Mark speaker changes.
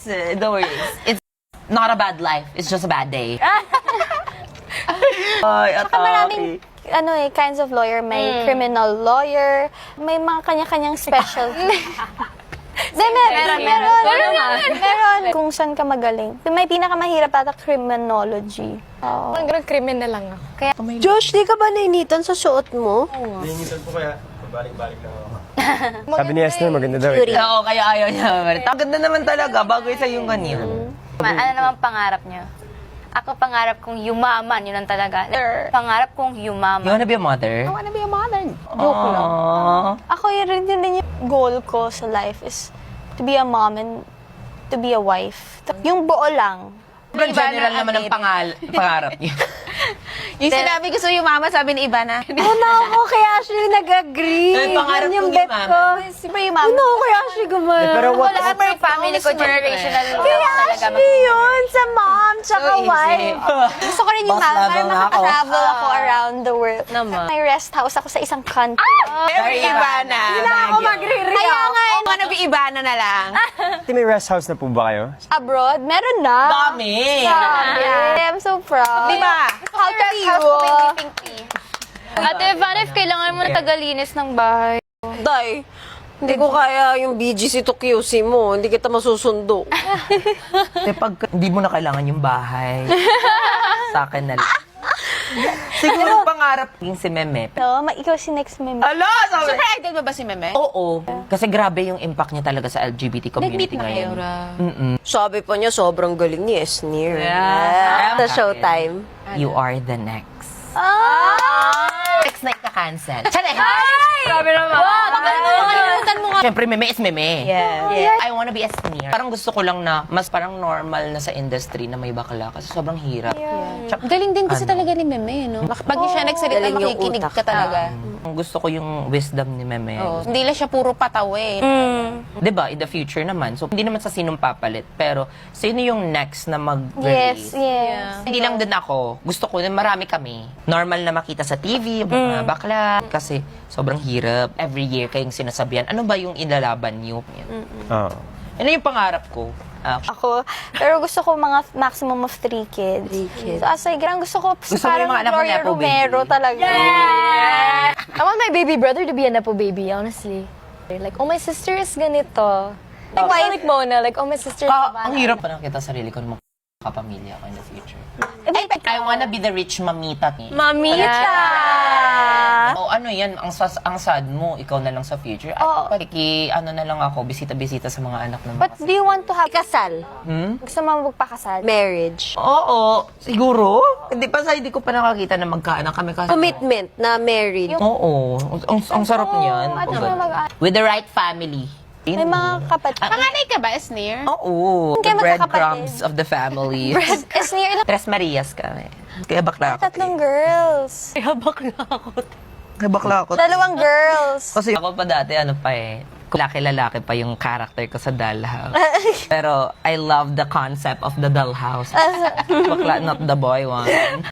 Speaker 1: Don't worry. It's not a bad life. It's just a bad day. Ay,
Speaker 2: Saka maraming kinds of lawyer. May criminal lawyer. May mga kanya-kanyang specialty. Meron. Kung saan ka magaling. May pinakamahirap ata criminology. Oo.
Speaker 3: Hanggang krimen na lang ako. Kaya,
Speaker 4: Josh, di ka ba nainitan sa suot mo?
Speaker 5: Nainitan po kaya, balik-balik lang ako. Sabi ni Esther, maganda daw eh.
Speaker 1: Oo, kaya ayaw niya. Ang ganda naman talaga. Bagay sa yung ganyan.
Speaker 6: Ano naman pangarap niyo? Ako pangarap kong yumaman, yun ang talaga. Pangarap kong
Speaker 1: You
Speaker 6: yumaman.
Speaker 1: wanna be a mother?
Speaker 3: wanna be a mother.
Speaker 1: Joke lang.
Speaker 2: Ako yun din yung goal ko sa life is to be a mom and to be a wife. Yung buo lang.
Speaker 1: Sobrang general naman ang pangarap niyo.
Speaker 3: Yung sinabi ko sa mama, sabi ni Ivana.
Speaker 4: Ano ako, kaya actually nag-agree.
Speaker 1: Ay, pangarap
Speaker 4: Yan yung
Speaker 1: kong
Speaker 4: bet
Speaker 1: yumaman.
Speaker 4: ko.
Speaker 2: Siyempre yung mama.
Speaker 4: Ano, kaya actually gumana.
Speaker 5: Pero what,
Speaker 6: Lahat ng family ko, generational
Speaker 4: Kaya actually yun, sa mom, tsaka wife.
Speaker 2: Gusto ko rin yung
Speaker 1: Boss
Speaker 2: mama para
Speaker 1: level na ako.
Speaker 2: makatravel ako around the world.
Speaker 3: Naman.
Speaker 2: May rest house ako sa isang country.
Speaker 1: Very
Speaker 3: Ivana.
Speaker 4: Hindi na ako magre-react.
Speaker 2: Kaya nga,
Speaker 3: Kung ano be Ivana na lang.
Speaker 5: may rest house na po ba kayo?
Speaker 2: abroad, meron na.
Speaker 1: Dami!
Speaker 2: I'm so proud.
Speaker 3: Di ba?
Speaker 2: How to be you?
Speaker 6: Ate Ivana, if kailangan mo na tagalinis ng bahay.
Speaker 4: Day, hindi ko kaya yung BGC to QC mo. Hindi kita masusundo.
Speaker 1: Kasi pag hindi mo na kailangan yung bahay, sa akin na lang. Siguro pangarap yung si Meme.
Speaker 2: No, ikaw si next meme.
Speaker 1: Ala! Sabi!
Speaker 3: Super idol mo ba si Meme?
Speaker 1: Oo. Kasi grabe yung impact niya talaga sa LGBT community
Speaker 3: Nag-meet na kayo,
Speaker 1: ngayon.
Speaker 3: Ra?
Speaker 4: Sabi pa niya, sobrang galing ni Esnir.
Speaker 1: Yeah.
Speaker 4: Sa showtime.
Speaker 1: You are the next. Next na ika-cancel. Charay!
Speaker 6: Grabe naman.
Speaker 3: Makalimutan mo nga.
Speaker 1: Siyempre, Meme is Meme.
Speaker 4: Yeah.
Speaker 1: I wanna be a sneer. Parang gusto ko lang na mas parang normal na sa industry na may bakla kasi sobrang hirap. Tsaka,
Speaker 3: Galing din kasi talaga ni Meme, no? Pag siya nagsalita,
Speaker 4: Galing yung
Speaker 3: makikinig
Speaker 4: utak.
Speaker 3: ka talaga.
Speaker 1: gusto ko yung wisdom ni Meme.
Speaker 3: Oo. Hindi lang siya puro pataw eh.
Speaker 1: 'Di ba? In the future naman. So, hindi naman sa sinong papalit. Pero, sino yung next na mag-release?
Speaker 2: Yes.
Speaker 1: Hindi lang din ako. Gusto ko na marami kami. Normal na makita sa TV, mga bakla. Kasi, sobrang hirap. Every year kayong sinasabihan, ano ba yung ilalaban niyo?
Speaker 5: Oo.
Speaker 1: Ano yung pangarap ko?
Speaker 2: Ako. Pero gusto ko mga maximum of 3 kids.
Speaker 4: 3 kids.
Speaker 2: So, as gusto ko
Speaker 1: Gusto mo
Speaker 2: parang
Speaker 1: yung mga anak mo
Speaker 2: Gloria
Speaker 1: nepo baby?
Speaker 2: Romero talaga.
Speaker 7: I want my baby brother to be a nepo baby, honestly. Like, oh, my sister is ganito. Like Mona, like, oh, my sister is
Speaker 1: Ang hirap pa nakita sarili ko na makapamilya ko in the future. I wanna be the rich mamita.
Speaker 2: Mamita!
Speaker 1: O ano yan, ang sad mo, ikaw na lang sa future. At ano na lang ako, bisita-bisita sa mga anak ng
Speaker 2: But do you want to have...
Speaker 4: Kasal.
Speaker 2: Gusto mo magpakasal?
Speaker 4: Marriage.
Speaker 1: Oo, siguro. Hindi ko pa nakakita na magkaanak kami kasi.
Speaker 4: Commitment na married.
Speaker 1: Oo, ang sarap niyan.
Speaker 2: at
Speaker 1: Oh,
Speaker 2: saka
Speaker 1: God.
Speaker 2: mag-
Speaker 1: With the right family.
Speaker 2: May mga kapatid.
Speaker 3: Panganay ka ba, Esnir?
Speaker 1: Oo, the
Speaker 2: Kaya
Speaker 1: breadcrumbs of the family.
Speaker 2: Is near
Speaker 1: Tres Marias kami. Kaya bakla ako.
Speaker 2: 3 girls.
Speaker 1: Kaya bakla ako.
Speaker 2: 2 girls.
Speaker 1: Kasi ako pa dati, ano pa eh, lalaki-lalaki pa yung character ko sa dollhouse. Pero I love the concept of the dollhouse. Bakla, not the boy one.